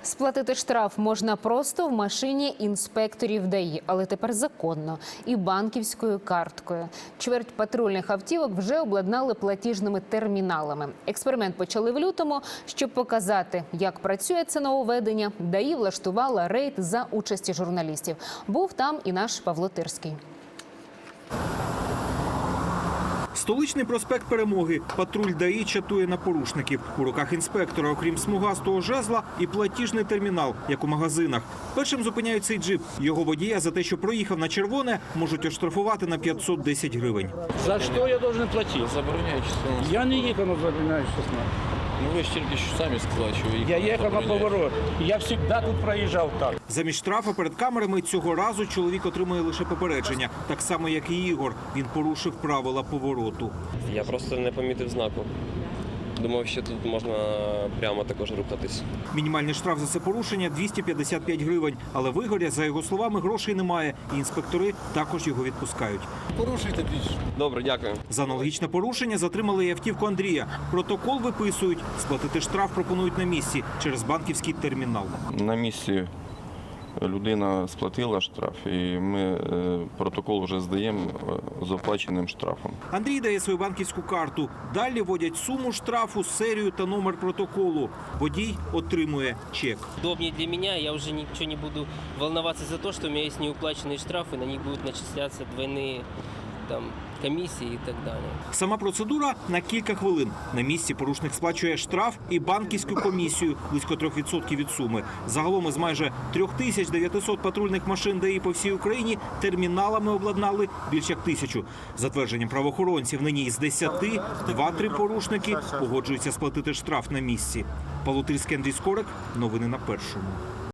Сплатити штраф можна просто в машині інспекторів ДАІ, але тепер законно і банківською карткою. Чверть патрульних автівок вже обладнали платіжними терміналами. Експеримент почали в лютому. Щоб показати, як працює це нововведення, ДАІ влаштувала рейд за участі журналістів. Був там і наш Павло Тирський. Столичний проспект Перемоги. Патруль ДАІ чатує на порушників. У руках інспектора, окрім смугастого жезла, і платіжний термінал, як у магазинах. Першим зупиняють цей джип. Його водія за те, що проїхав на червоне, можуть оштрафувати на 510 гривень. За що я должен платити? Забороняють число. Я не їхав на забороняю 16. Ну ви ж тільки що самі сказали, що ви їхали. Я їхав на поворот. Я завжди тут проїжджав так. Замість штрафа перед камерами цього разу чоловік отримує лише попередження. Так само, як і Ігор. Він порушив правила повороту. Я просто не помітив знаку. Думав, що тут можна прямо також рухатись. Мінімальний штраф за це порушення – 255 гривень. Але в Ігоря, за його словами, грошей немає. І інспектори також його відпускають. Порушуйте більше. Добре, дякую. За аналогічне порушення затримали і автівку Андрія. Протокол виписують. Сплатити штраф пропонують на місці через банківський термінал. На місці людина сплатила штраф, і ми протокол вже здаємо з оплаченим штрафом. Андрій дає свою банківську карту. Далі вводять суму штрафу, серію та номер протоколу. Водій отримує чек. Удобнее для меня, я уже ничего не буду волноваться за то, что у меня есть неуплаченные штрафы, на них будут начисляться двойные комиссии и так далее. Сама процедура на кілька хвилин. На місці порушник сплачує штраф і банківську комісію – близько 3% від суми. Загалом із майже 3900 патрульних машин ДАІ по всій Україні терміналами обладнали більш як 1000. За твердженням правоохоронців, нині із 10 2-3 порушники погоджуються сплатити штраф на місці. Павло Тирський, Андрій Скорик. Новини на Першому.